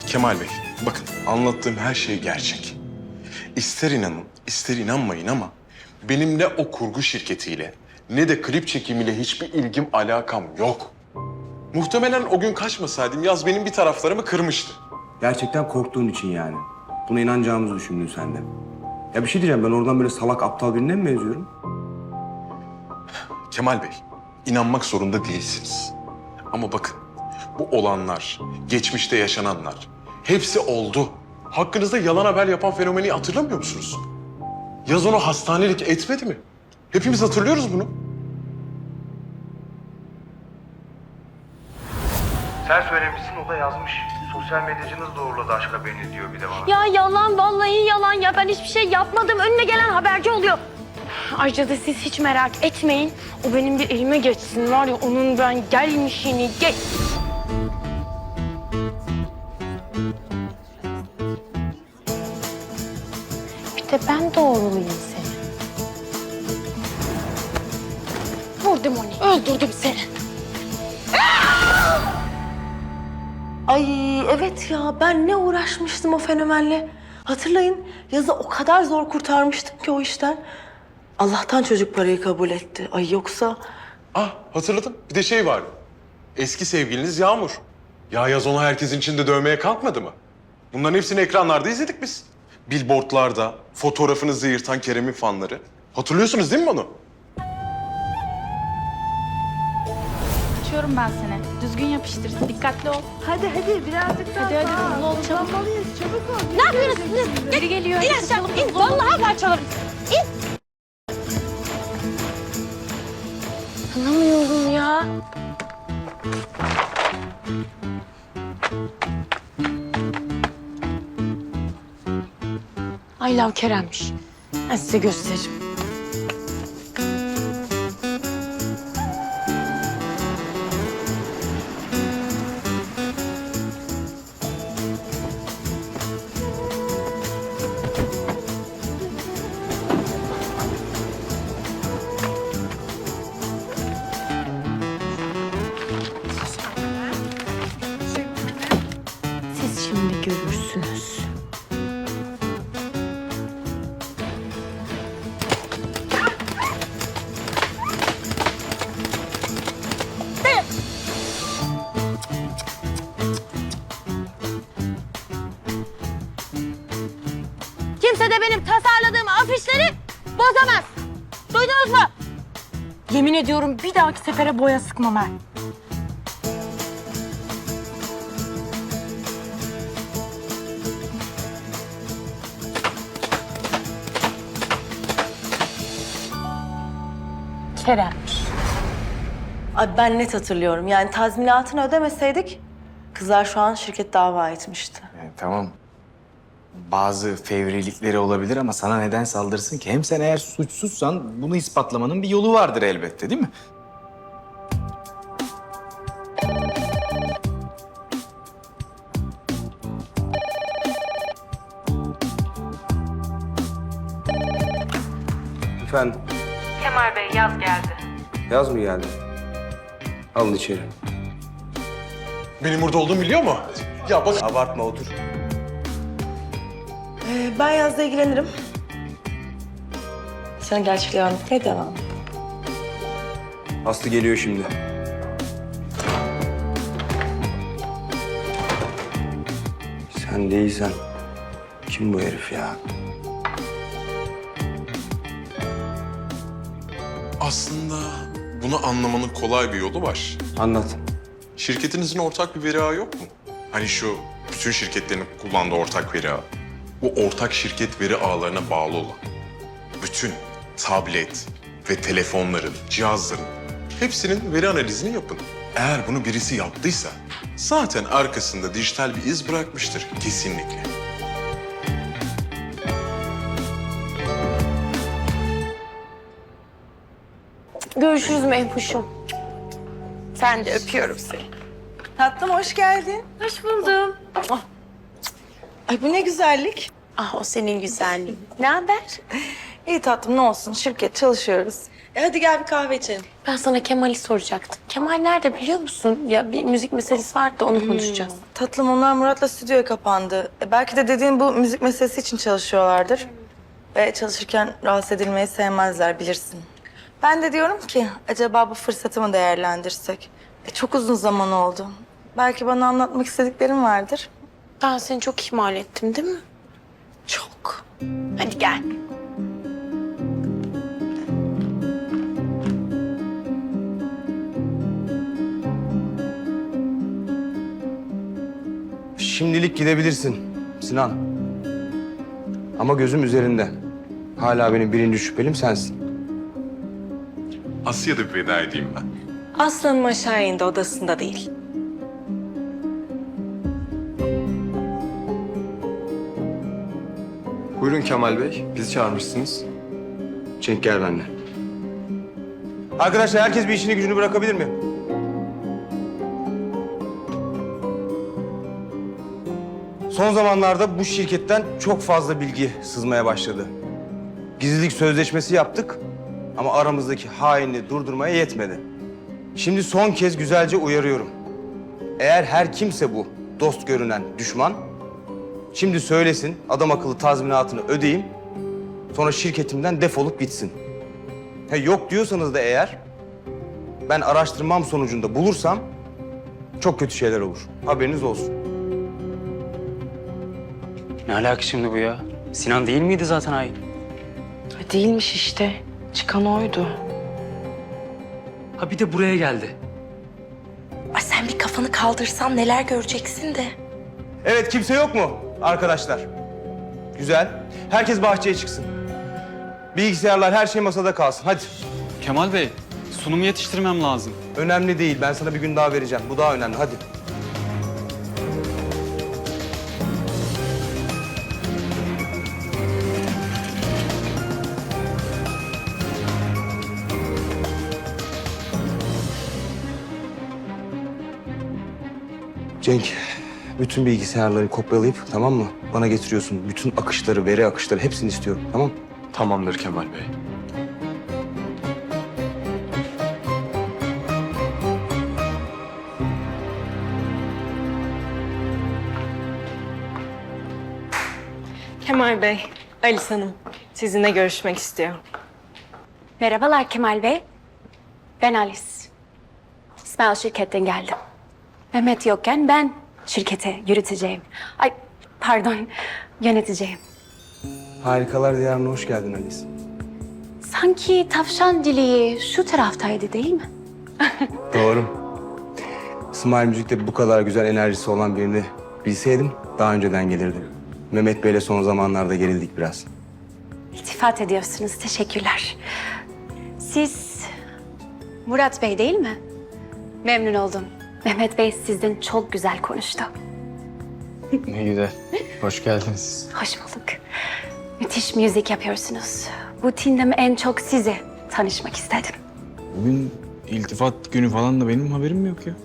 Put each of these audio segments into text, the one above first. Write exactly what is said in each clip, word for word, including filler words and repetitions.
Kemal Bey, bakın anlattığım her şey gerçek. İster inanın, ister inanmayın ama benim ne o kurgu şirketiyle ne de klip çekimiyle hiçbir ilgim, alakam yok. Muhtemelen o gün kaçmasaydım Yaz benim bir taraflarımı kırmıştı. Gerçekten korktuğun için yani. Buna inanacağımızı düşündün sen de. Ya bir şey diyeceğim, ben oradan böyle salak aptal birine mi benziyorum? Kemal Bey, inanmak zorunda değilsiniz. Ama bakın, bu olanlar, geçmişte yaşananlar hepsi oldu. Hakkınızda yalan haber yapan fenomeni hatırlamıyor musunuz? Yaz onu hastanelik etmedi mi? Hepimiz hatırlıyoruz bunu. Sen söylemişsin, o da yazmış. Sosyal medyacınız doğruladı aşk haberini diyor bir de bana. Ya yalan, vallahi yalan ya. Ben hiçbir şey yapmadım. Önüne gelen haberci oluyor. Ayrıca da siz hiç merak etmeyin. O benim bir elime geçsin var ya, onun ben gelmişini geç. Bir de ben doğrulayayım seni. Vurdum onu, öldürdüm seni. Ay evet ya, ben ne uğraşmıştım o fenomenle. Hatırlayın, Yaz'ı o kadar zor kurtarmıştım ki o işten. Allah'tan çocuk parayı kabul etti. Ay yoksa... Ah, hatırladım. Bir de şey vardı. Eski sevgiliniz Yağmur. Ya Yaz onu herkesin içinde dövmeye kalkmadı mı? Bunların hepsini ekranlarda izledik biz. Billboardlarda fotoğrafınızı yırtan Kerem'in fanları. Hatırlıyorsunuz değil mi onu? Açıyorum ben seni. Düzgün yapıştır. Dikkatli ol. Hadi hadi birazcık daha Hadi hadi sağ. hızlı ol. Çabuk. Hızlanmalıyız, çabuk ol. Ne yapıyorsunuz? Geri geliyor. İn aşağı, in. Vallahi parçalarım. İn. Anlamıyorum ya. I love Kerem'miş. Ben size gösteririm. Siz şimdi görürsünüz. Kimse de benim tasarladığım afişleri bozamaz. Duydunuz mu? Yemin ediyorum bir dahaki sefere boya sıkmam ha. Kerem'miş. Ay ben net hatırlıyorum. Yani tazminatını ödemeseydik kızlar şu an şirket dava etmişti. Yani tamam. Bazı fevrilikleri olabilir ama sana neden saldırsın ki? Hem sen eğer suçsuzsan bunu ispatlamanın bir yolu vardır elbette, değil mi? Efendim, Kemal Bey, Yaz geldi. Yaz mı geldi? Alın içeri. Benim burada olduğumu biliyor mu? Ya bak... Abartma, otur. Ee, ben Yaz'la ilgilenirim. Sen gerçekleri anlatmaya devam. Aslı geliyor şimdi. Sen değilsen kim bu herif ya? Aslında bunu anlamanın kolay bir yolu var. Anlat. Şirketinizin ortak bir veri ağı yok mu? Hani şu bütün şirketlerin kullandığı ortak veri ağı. Bu ortak şirket veri ağlarına bağlı olan bütün tablet ve telefonların, cihazların hepsinin veri analizini yapın. Eğer bunu birisi yaptıysa zaten arkasında dijital bir iz bırakmıştır kesinlikle. Görüşürüz Mehpuş'um. Sen de öpüyorum seni. Tatlım hoş geldin. Hoş buldum. Ay bu ne güzellik. Ah o senin güzelliğin. Ne haber? İyi tatlım, ne olsun, şirket çalışıyoruz. E hadi gel bir kahve içelim. Ben sana Kemal'i soracaktım. Kemal nerede biliyor musun? Ya bir müzik meselesi vardı da onu konuşacağız. Tatlım onlar Murat'la stüdyoya kapandı. E, belki de dediğin bu müzik meselesi için çalışıyorlardır. Ve çalışırken rahatsız edilmeyi sevmezler bilirsin. Ben de diyorum ki acaba bu fırsatı mı değerlendirsek? E, çok uzun zaman oldu. Belki bana anlatmak istediklerin vardır. Ben seni çok ihmal ettim değil mi? Çok. Hadi gel. Şimdilik gidebilirsin Sinan. Ama gözüm üzerinde. Hala benim birinci şüphelim sensin. Asya'da bir veda edeyim ben. Aslanım aşağı indi, odasında değil. Buyurun Kemal Bey, bizi çağırmışsınız. Cenk gel benimle. Arkadaşlar herkes bir işini gücünü bırakabilir mi? Son zamanlarda bu şirketten çok fazla bilgi sızmaya başladı. Gizlilik sözleşmesi yaptık ama aramızdaki hainliği durdurmaya yetmedi. Şimdi son kez güzelce uyarıyorum. Eğer her kimse bu dost görünen düşman, şimdi söylesin, adam akıllı tazminatını ödeyeyim, sonra şirketimden defolup gitsin. Ha, yok diyorsanız da eğer, ben araştırmam sonucunda bulursam çok kötü şeyler olur. Haberiniz olsun. Ne alaka şimdi bu ya? Sinan değil miydi zaten hain? Değilmiş işte. Çıkan oydu. Ha bir de buraya geldi. Ay sen bir kafanı kaldırsan neler göreceksin de. Evet, kimse yok mu arkadaşlar? Güzel. Herkes bahçeye çıksın. Bilgisayarlar, her şey masada kalsın. Hadi. Kemal Bey, sunumu yetiştirmem lazım. Önemli değil. Ben sana bir gün daha vereceğim. Bu daha önemli. Hadi. Cenk, bütün bilgisayarları kopyalayıp, tamam mı? Bana getiriyorsun. Bütün akışları, veri akışları hepsini istiyorum. Tamam mı? Tamamdır Kemal Bey. Kemal Bey, Alice Hanım sizinle görüşmek istiyor. Merhabalar Kemal Bey. Ben Alice. İsmail şirketten geldim. Mehmet yokken ben şirkete yürüteceğim. Ay pardon, yöneteceğim. Harikalar Diyarı'na hoş geldin Alice. Sanki tavşan dili şu taraftaydı değil mi? Doğru. İsmail Müzik'te bu kadar güzel enerjisi olan birini bilseydim daha önceden gelirdim. Mehmet Bey'le son zamanlarda gerildik biraz. İltifat ediyorsunuz, teşekkürler. Siz Murat Bey değil mi? Memnun oldum. Mehmet Bey sizden çok güzel konuştu. Ne güzel. Hoş geldiniz. Hoş bulduk. Müthiş müzik yapıyorsunuz. Bu tindem en çok sizi tanışmak istedim. Bugün iltifat günü falan da benim haberim yok ya.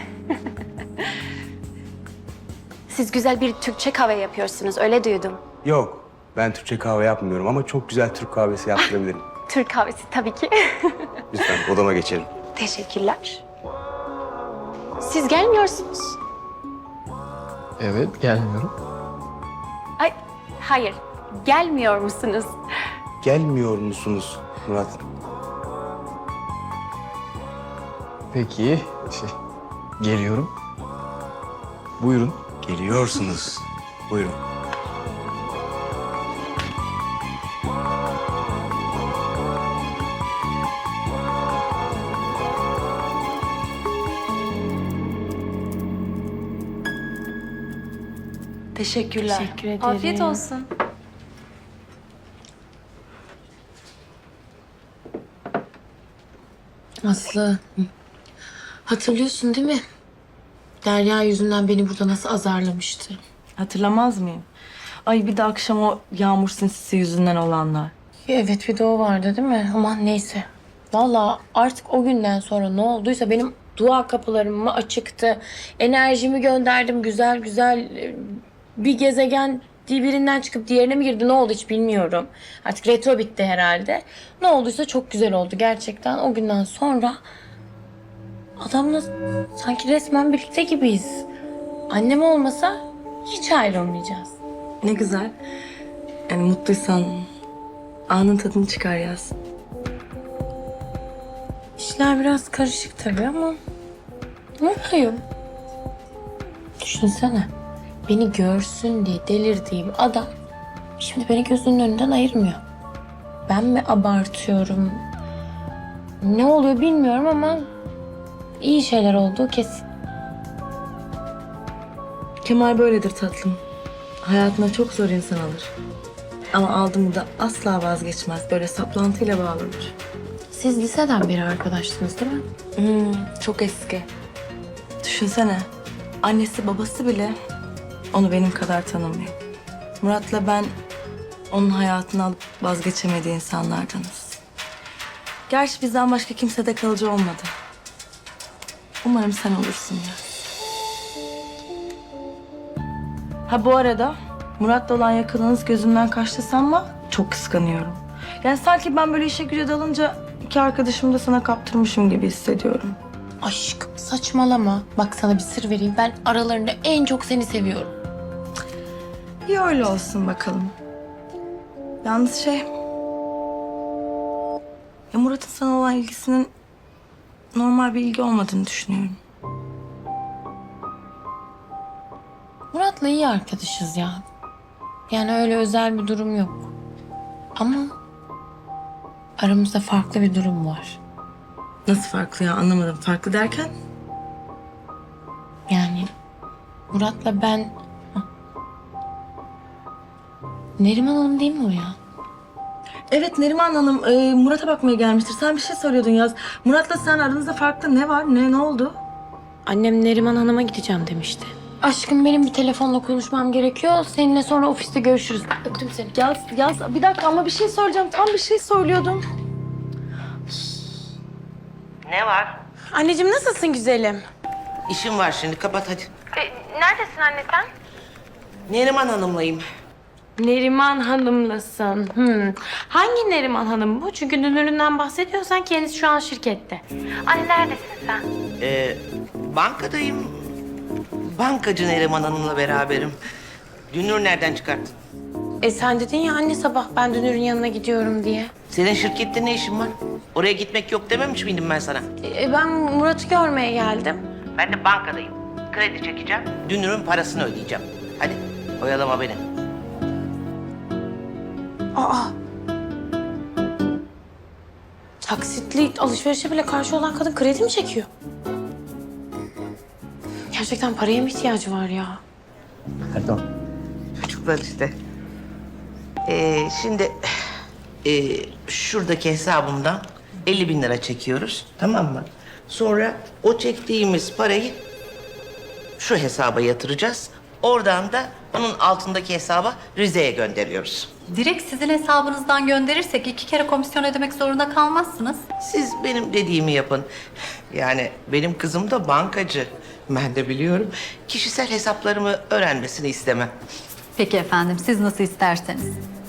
Siz güzel bir Türkçe kahve yapıyorsunuz, öyle duydum. Yok, ben Türkçe kahve yapmıyorum ama çok güzel Türk kahvesi yaptırabilirim. Türk kahvesi tabii ki. Lütfen odama geçelim. Teşekkürler. Siz gelmiyorsunuz. Evet, gelmiyorum. Ay, hayır. Gelmiyor musunuz? Gelmiyor musunuz Murat? Peki, şey, geliyorum. Buyurun. Geliyorsunuz. Buyurun. Teşekkürler. Teşekkür ederim. Afiyet olsun. Aslı, hatırlıyorsun değil mi? Derya yüzünden beni burada nasıl azarlamıştı? Hatırlamaz mıyım? Ay bir de akşam o yağmur sinsisi yüzünden olanlar. Evet, bir de o vardı değil mi? Aman neyse. Vallahi artık o günden sonra ne olduysa benim dua kapılarım mı açıktı. Enerjimi gönderdim güzel güzel. Bir gezegen ciddi birinden çıkıp diğerine mi girdi? Ne oldu hiç bilmiyorum. Artık retro bitti herhalde. Ne olduysa çok güzel oldu gerçekten. O günden sonra adamla sanki resmen birlikte gibiyiz. Annem olmasa hiç ayrılmayacağız. Ne güzel. Yani mutluysan anın tadını çıkar Yaz. İşler biraz karışık tabii ama mutluyum. Düşünsene. Beni görsün diye delirdiğim adam şimdi beni gözünün önünden ayırmıyor. Ben mi abartıyorum? Ne oluyor bilmiyorum ama iyi şeyler olduğu kesin. Kemal böyledir tatlım. Hayatına çok zor insan alır. Ama aldı mı da asla vazgeçmez. Böyle saplantıyla bağlanır. Siz liseden beri arkadaşsınız değil mi? Hmm, çok eski. Düşünsene. Annesi babası bile onu benim kadar tanımıyor. Murat'la ben onun hayatını alıp vazgeçemediği insanlardanız. Gerçi bizden başka kimse de kalıcı olmadı. Umarım sen olursun ya. Ha bu arada Murat'la olan yakınınız gözümden kaçtı sanma. Çok kıskanıyorum. Yani sanki ben böyle işe güce dalınca iki arkadaşımı da sana kaptırmışım gibi hissediyorum. Aşkım saçmalama. Bak sana bir sır vereyim. Ben aralarında en çok seni seviyorum. İyi öyle olsun bakalım. Yalnız şey... Ya Murat'ın sana olan ilgisinin normal bir ilgi olmadığını düşünüyorum. Murat'la iyi arkadaşız ya. Yani öyle özel bir durum yok. Ama aramızda farklı bir durum var. Nasıl farklı ya anlamadım. Farklı derken? Yani Murat'la ben... Hah. Neriman Hanım değil mi o ya? Evet Neriman Hanım e, Murat'a bakmaya gelmiştir. Sen bir şey soruyordun Yaz. Murat'la sen aranızda farklı ne var? Ne ne oldu? Annem Neriman Hanım'a gideceğim demişti. Aşkım benim bir telefonla konuşmam gerekiyor. Seninle sonra ofiste görüşürüz. Öptüm seni. Yaz, Yaz bir dakika ama bir şey söyleyeceğim. Tam bir şey söylüyordum. Ne var? Anneciğim nasılsın güzelim? İşim var şimdi kapat hadi. E, neredesin anne sen? Neriman Hanım'layım. Neriman Hanım'lasın. Hmm. Hangi Neriman Hanım bu? Çünkü dünüründen bahsediyorsan kendisi şu an şirkette. Anne neredesin sen? Ee, bankadayım. Bankacı Neriman Hanım'la beraberim. Dünür nereden çıkarttın? E sen dedin ya anne sabah ben dünürün yanına gidiyorum diye. Senin şirkette ne işin var? Oraya gitmek yok dememiş miydim ben sana? E, ben Murat'ı görmeye geldim. Ben de bankadayım. Kredi çekeceğim. Dünürün parasını ödeyeceğim. Hadi oyalama beni. Aa. Taksitli alışverişe bile karşı olan kadın kredi mi çekiyor? Gerçekten paraya mı ihtiyacı var ya? Pardon. Çocuklar işte. Ee, şimdi e, şuradaki hesabımdan elli bin lira çekiyoruz. Tamam mı? Sonra o çektiğimiz parayı şu hesaba yatıracağız. Oradan da onun altındaki hesaba Rize'ye gönderiyoruz. Direkt sizin hesabınızdan gönderirsek iki kere komisyon ödemek zorunda kalmazsınız. Siz benim dediğimi yapın. Yani benim kızım da bankacı. Ben de biliyorum. Kişisel hesaplarımı öğrenmesini istemem. Peki efendim, siz nasıl isterseniz.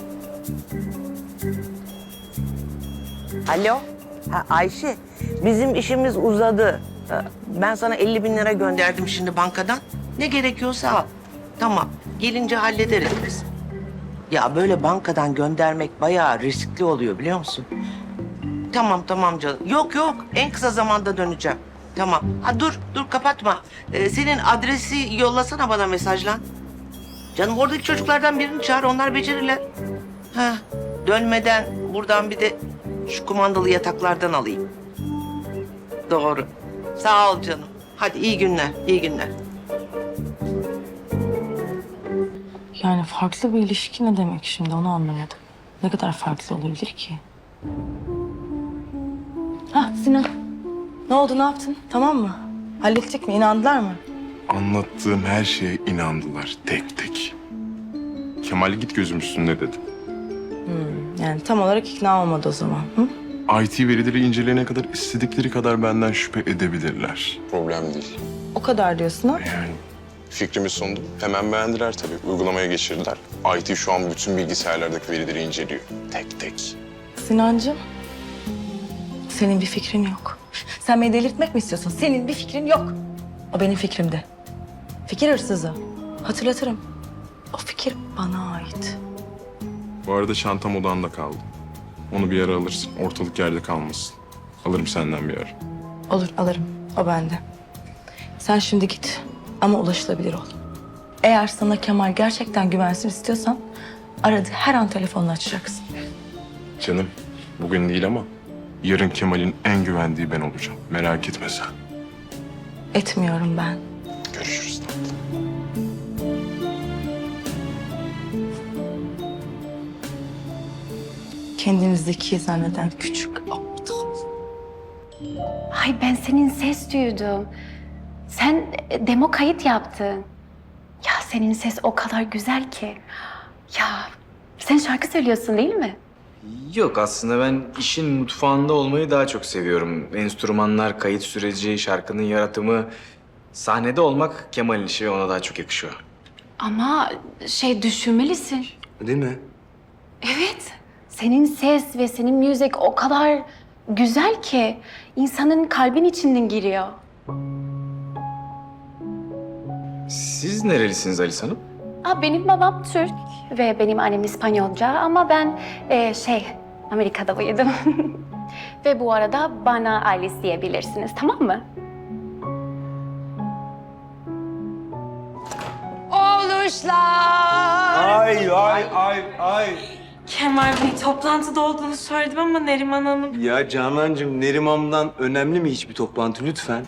Alo. Ha, Ayşe, bizim işimiz uzadı. Ha, Ben sana elli bin lira gönderdim şimdi bankadan. Ne gerekiyorsa al. Tamam, gelince hallederiz biz. Ya böyle bankadan göndermek bayağı riskli oluyor biliyor musun? Tamam tamam canım. Yok yok, en kısa zamanda döneceğim. Tamam. Ha dur, dur kapatma. Ee, senin adresi yollasana bana mesajla. Canım oradaki çocuklardan birini çağır, onlar becerirler. Ha, dönmeden buradan bir de şu kumandalı yataklardan alayım. Doğru. Sağ ol canım. Hadi iyi günler, iyi günler. Yani farklı bir ilişki ne demek şimdi onu anlamadım. Ne kadar farklı olabilir ki? Hah Sinan. Ne oldu ne yaptın? Tamam mı? Hallettik mi? İnandılar mı? Anlattığım her şeye inandılar tek tek. Kemal git gözüm üstünde dedi. Yani tam olarak ikna olmadı o zaman. Hı? I T verileri inceleyene kadar istedikleri kadar benden şüphe edebilirler. Problem değil. O kadar diyorsun ha? Yani Fikrimi sundum. Hemen beğendiler tabii. Uygulamaya geçirdiler. I T şu an bütün bilgisayarlardaki verileri inceliyor. Tek tek. Sinancığım, senin bir fikrin yok. Sen beni delirtmek mi istiyorsun? Senin bir fikrin yok. O benim fikrimdi. Fikir hırsızı. Hatırlatırım. O fikir bana ait. Bu arada çantam odanda kaldı. Onu bir ara alırsın. Ortalık yerde kalmasın. Alırım senden bir ara. Olur, alırım. O bende. Sen şimdi git ama ulaşılabilir ol. Eğer sana Kemal gerçekten güvensin istiyorsan aradı her an telefonunu açacaksın. Canım, bugün değil ama yarın Kemal'in en güvendiği ben olacağım. Merak etme sen. Etmiyorum ben. Görüşürüz tatlım. Kendini zeki zanneden küçük aptal. Ay ben senin ses duydum. Sen e, demo kayıt yaptın. Ya senin ses o kadar güzel ki. Ya sen şarkı söylüyorsun değil mi? Yok aslında ben işin mutfağında olmayı daha çok seviyorum. Enstrümanlar, kayıt süreci, şarkının yaratımı... Sahnede olmak Kemal'in işi ve ona daha çok yakışıyor. Ama şey düşünmelisin. Değil mi? Evet. Senin ses ve senin müzik o kadar güzel ki insanın kalbin içinden giriyor. Siz nerelisiniz Alice Hanım? Aa, benim babam Türk ve benim annem İspanyolca ama ben e, şey Amerika'da büyüdüm. Ve bu arada bana Alice diyebilirsiniz, tamam mı? Ay ay ay ay. Kemal Bey toplantıda olduğunu söyledim ama Neriman Hanım... Ya Canancığım, Neriman'dan önemli mi hiçbir toplantı lütfen?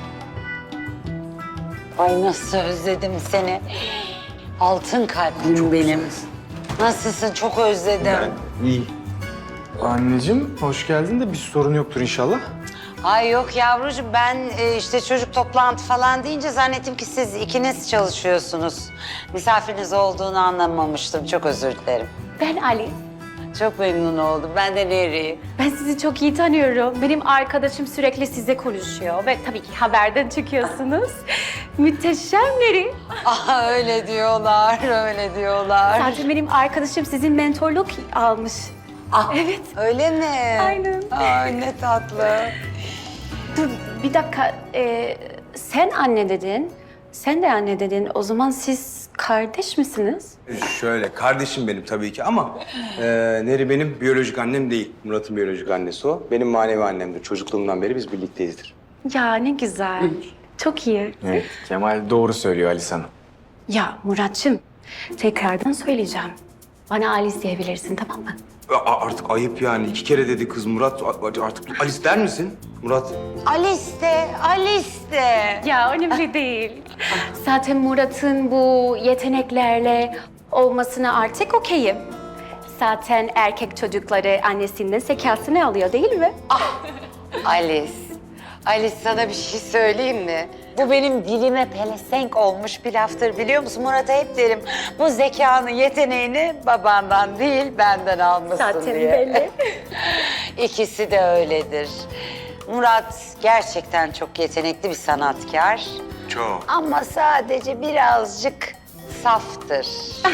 Ay nasıl özledim seni. Altın kalplim benim. Nasılsın? Çok özledim. İyi. Anneciğim hoş geldin de bir sorun yoktur inşallah. Ay yok yavrucuğum ben e, işte çocuk toplantı falan deyince zannettim ki siz ikiniz çalışıyorsunuz. Misafiriniz olduğunu anlamamıştım. Çok özür dilerim. Ben Alice. Çok memnun oldum. Ben de Neri. Ben sizi çok iyi tanıyorum. Benim arkadaşım sürekli size konuşuyor ve tabii ki haberden çıkıyorsunuz. Müthişemleri. Ah öyle diyorlar, öyle diyorlar. Zaten benim arkadaşım sizin mentorluk almış. Ah, Evet. öyle mi? Aynen. Ay ne tatlı. Dur bir dakika. Ee, sen anne dedin. Sen de anne dedin. O zaman siz kardeş misiniz? Şöyle, kardeşim benim tabii ki ama e, Neri benim biyolojik annem değil. Murat'ın biyolojik annesi o. Benim manevi annemdir. Çocukluğumdan beri biz birlikteyizdir. Ya ne güzel. Çok iyi. Evet Kemal doğru söylüyor Alice Hanım. Ya Muratçım, tekrardan söyleyeceğim. Bana Alice diyebilirsin, tamam mı? A- artık ayıp yani. İki kere dedi kız Murat. A- Artık Alice der misin? Murat. Alice de, Alice de. Ya önemli değil. Zaten Murat'ın bu yeteneklerle olmasına artık okeyim. Zaten erkek çocukları annesinden zekasını alıyor değil mi? Alice. Alice sana bir şey söyleyeyim mi? Bu benim dilime pelesenk olmuş bir laftır biliyor musun? Murat'a hep derim bu zekanı, yeteneğini babandan değil benden almışsın Zaten diye. belli. İkisi de öyledir. Murat gerçekten çok yetenekli bir sanatkar. Çok. Ama sadece birazcık saftır.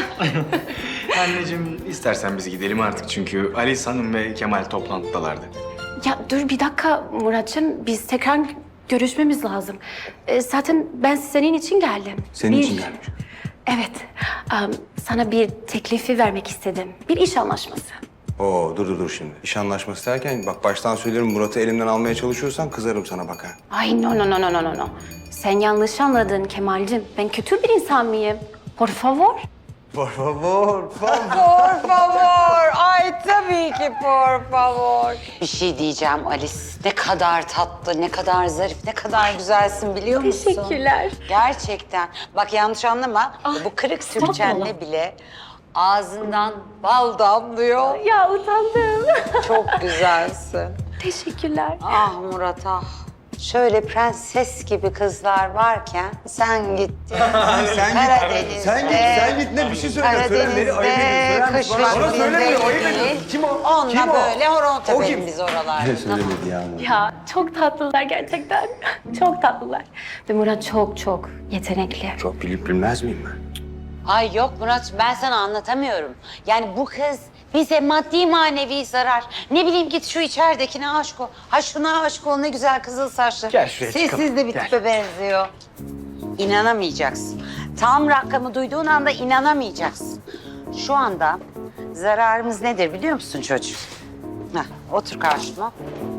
Anneciğim istersen biz gidelim artık çünkü Alice Hanım ve Kemal toplantıdalardı. Ya dur bir dakika Murat'cığım, biz tekrar görüşmemiz lazım. Ee, zaten ben senin için geldim. Senin Bir- için gelmiş. Evet, em, sana bir teklifi vermek istedim. Bir iş anlaşması. Oo dur dur dur şimdi. İş anlaşması derken bak baştan söylerim Murat'ı elimden almaya çalışıyorsan kızarım sana bak ha. Ay no no no no no no no. Sen yanlış anladın Kemal'cim. Ben kötü bir insan mıyım? Por favor. Por favor, por Por favor. Ay tabii ki por favor. Bir şey diyeceğim Alice. Ne kadar tatlı, ne kadar zarif, ne kadar güzelsin biliyor musun? Teşekkürler. Gerçekten. Bak yanlış anlama. Bu kırık Türkçenle bile ağzından bal damlıyor. Ya utandım. Çok güzelsin. Teşekkürler. Ah Murat ah. Şöyle prenses gibi kızlar varken sen gittin. Sen Karadeniz'de. git. Sen git. Sen git. Ne bir şey söyle. Söyle beni ayıp ediyorsun. Karadeniz'de, Söyler misin? kış Bana, bana söylemiyor. Ayıp vaktinde ediyorsun. Kim o? Onunla Kim o? böyle horon O kim? tepelim biz oralarda. Ne söylemedi ya? Ya çok tatlılar gerçekten. Çok tatlılar. Ve Murat çok çok yetenekli. Çok bilip bilmez miyim ben? Ay yok Murat, ben sana anlatamıyorum. Yani bu kız bize maddi manevi zarar. Ne bileyim git şu içeridekine aşık ol. Ha şuna aşık ol, ne güzel kızıl saçlı. Gel şuraya Sessiz çıkalım, de bir gel. tipe benziyor. İnanamayacaksın. Tam rakamı duyduğun anda inanamayacaksın. Şu anda zararımız nedir biliyor musun çocuğum? Heh, otur karşıma.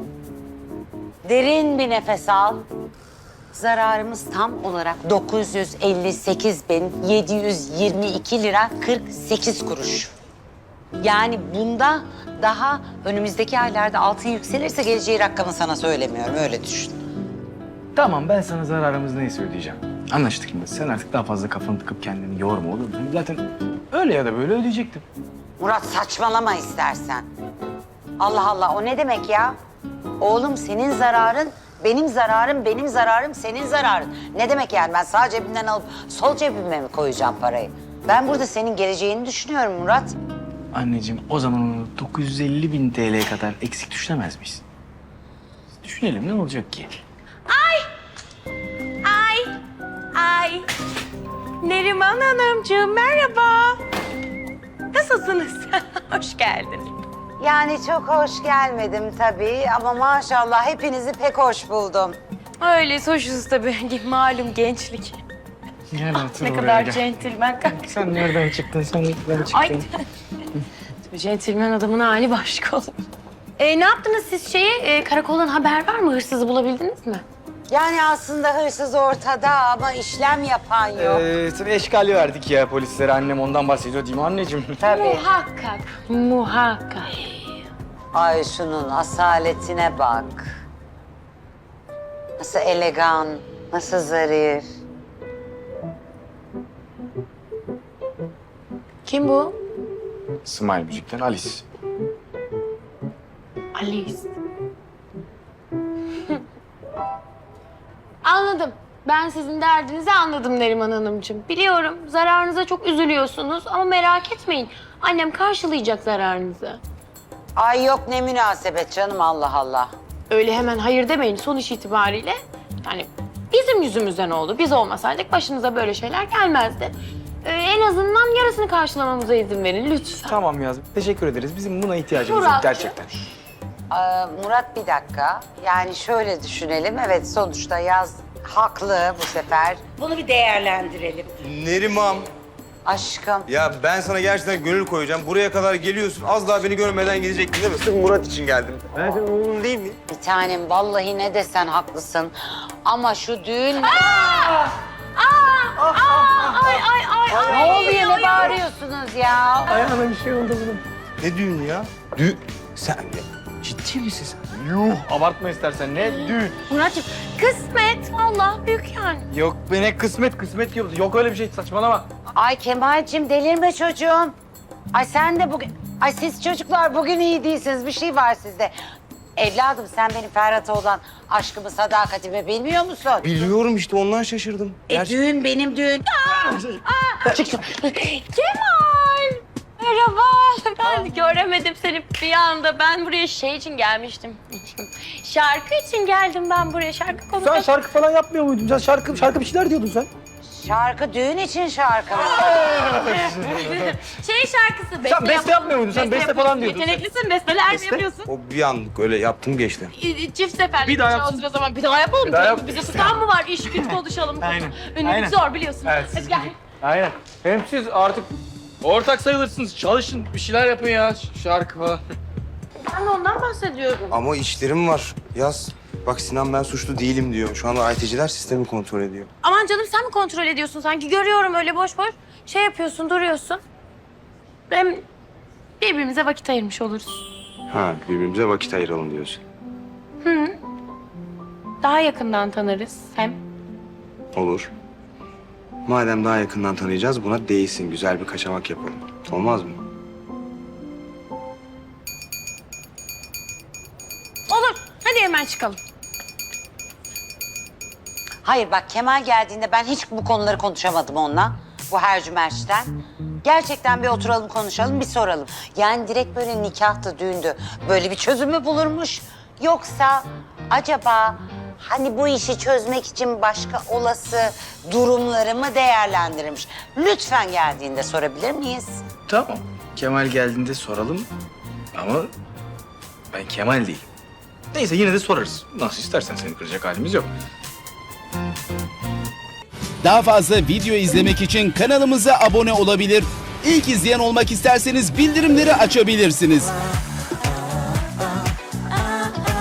Derin bir nefes al. Zararımız tam olarak dokuz yüz elli sekiz bin yedi yüz yirmi iki lira kırk sekiz kuruş. Yani bunda daha önümüzdeki aylarda altın yükselirse geleceği rakamı sana söylemiyorum. Öyle düşün. Tamam ben sana zararımız neyse ödeyeceğim. Anlaştık mı? Sen artık daha fazla kafanı tıkıp kendini yorma olur mu? Zaten öyle ya da böyle ödeyecektim. Murat saçmalama istersen. Allah Allah o ne demek ya? Oğlum senin zararın benim zararım, benim zararım senin zararın. Ne demek yani ben sağ cebimden alıp sol cebime mi koyacağım parayı? Ben burada senin geleceğini düşünüyorum Murat. Anneciğim o zaman onu dokuz yüz elli bin T L'ye kadar eksik düşünemez miyiz? Düşünelim ne olacak ki? Ay, ay. Neriman Hanımcığım merhaba. Nasılsınız? Hoş geldiniz. Yani çok hoş gelmedim tabii ama maşallah hepinizi pek hoş buldum. Öyle hoşuz tabii. Malum gençlik. Gel otur Ne oraya kadar gel. centilmen. Sen nereden çıktın? Sen nereden çıktın? Ay. Centilmen adamın hali başka olur. E, ne yaptınız siz şeyi? E, karakoldan haber var mı? Hırsızı bulabildiniz mi? Yani aslında hırsız ortada ama işlem yapan yok. Ee, tabii eşkali verdik ya polislere. Annem ondan bahsediyor değil mi anneciğim? Tabii. Muhakkak, muhakkak. Ay şunun asaletine bak. Nasıl elegan, nasıl zarif. Kim bu? Smile Müzik'ten Alice. Alice. Anladım. Ben sizin derdinizi anladım Neriman Hanımcığım. Biliyorum zararınıza çok üzülüyorsunuz ama merak etmeyin. Annem karşılayacak zararınızı. Ay yok ne münasebet canım Allah Allah. Öyle hemen hayır demeyin sonuç itibariyle. Yani bizim yüzümüzden oldu. Biz olmasaydık başınıza böyle şeyler gelmezdi. Ee, en azından yarısını karşılamamıza izin verin lütfen. Tamam Yazım. Teşekkür ederiz. Bizim buna ihtiyacımız yok Muratcığım. gerçekten. Ee, Murat bir dakika. Yani şöyle düşünelim. Evet sonuçta Yaz haklı bu sefer. Bunu bir değerlendirelim. Neriman. Aşkım. Ya ben sana gerçekten gönül koyacağım. Buraya kadar geliyorsun. Az daha beni görmeden gidecektin değil mi? Sırf Murat için geldim. Ben senin oğlun değil mi? Bir tanem vallahi ne desen haklısın. Ama şu düğün... Aa, ay ay ay ay. Ne oluyor ne bağırıyorsunuz ya? Ayağına bir şey oldu bunun. Ne düğünü ya? Düğün. Sen de ciddi misin sen? Yuh abartma istersen ne düğün. Muratcığım kısmet Allah büyük yani. Yok be ne kısmet kısmet yok. Yok öyle bir şey saçmalama. Ay Kemal'cim delirme çocuğum. Ay sen de bugün... Ay siz çocuklar bugün iyi değilsiniz. Bir şey var sizde. Evladım sen benim Ferhat'a olan aşkımı, sadakatimi bilmiyor musun? Biliyorum işte ondan şaşırdım. E düğün benim düğün. Kemal. Merhaba. Ben göremedim seni bir anda. Ben buraya şey için gelmiştim. Şarkı için geldim ben buraya. Şarkı konuşmak. Sen şarkı falan yapmıyor muydun? Sen şarkı şarkı bir şeyler diyordun sen. Şarkı düğün için şarkı mı? Şey şarkısı. Sen beste yapalım. yapmıyor muydun? Sen beste falan yapıyorsun. diyordun sen. Yeteneklisin. Besteler mi yapıyorsun? O bir anlık öyle yaptım geçti. İ- Çift seferlik Bir daha şey yapsın. olsun o zaman. Bir daha yapalım. Bir daha canım. yap. Bize tutan mı var? İş güç konuşalım. Aynen, Ünlülük aynen. zor biliyorsun. Evet, Hadi siz gel. Aynen. Hem siz artık ortak sayılırsınız. Çalışın bir şeyler yapın ya şarkı falan. Ben de ondan bahsediyorum. Ama işlerim var. Yaz. Bak Sinan ben suçlu değilim diyor. Şu anda I T'ciler sistemi kontrol ediyor. Aman canım sen mi kontrol ediyorsun sanki? Görüyorum öyle boş boş. Şey yapıyorsun, duruyorsun. Hem birbirimize vakit ayırmış oluruz. Ha birbirimize vakit ayıralım diyorsun. Daha yakından tanırız hem. Olur. Madem daha yakından tanıyacağız buna değilsin. Güzel bir kaçamak yapalım. Olmaz mı? Olur. Hadi hemen çıkalım. Hayır bak Kemal geldiğinde ben hiç bu konuları konuşamadım onunla. Bu hercümerçten. Gerçekten bir oturalım konuşalım bir soralım. Yani direkt böyle nikahtı, düğündü. Böyle bir çözümü bulurmuş. Yoksa acaba hani bu işi çözmek için başka olası durumları mı değerlendirmiş? Lütfen geldiğinde sorabilir miyiz? Tamam. Kemal geldiğinde soralım ama ben Kemal değilim. Neyse yine de sorarız. Nasıl istersen, seni kıracak halimiz yok. Daha fazla video izlemek için kanalımıza abone olabilir. İlk izleyen olmak isterseniz bildirimleri açabilirsiniz.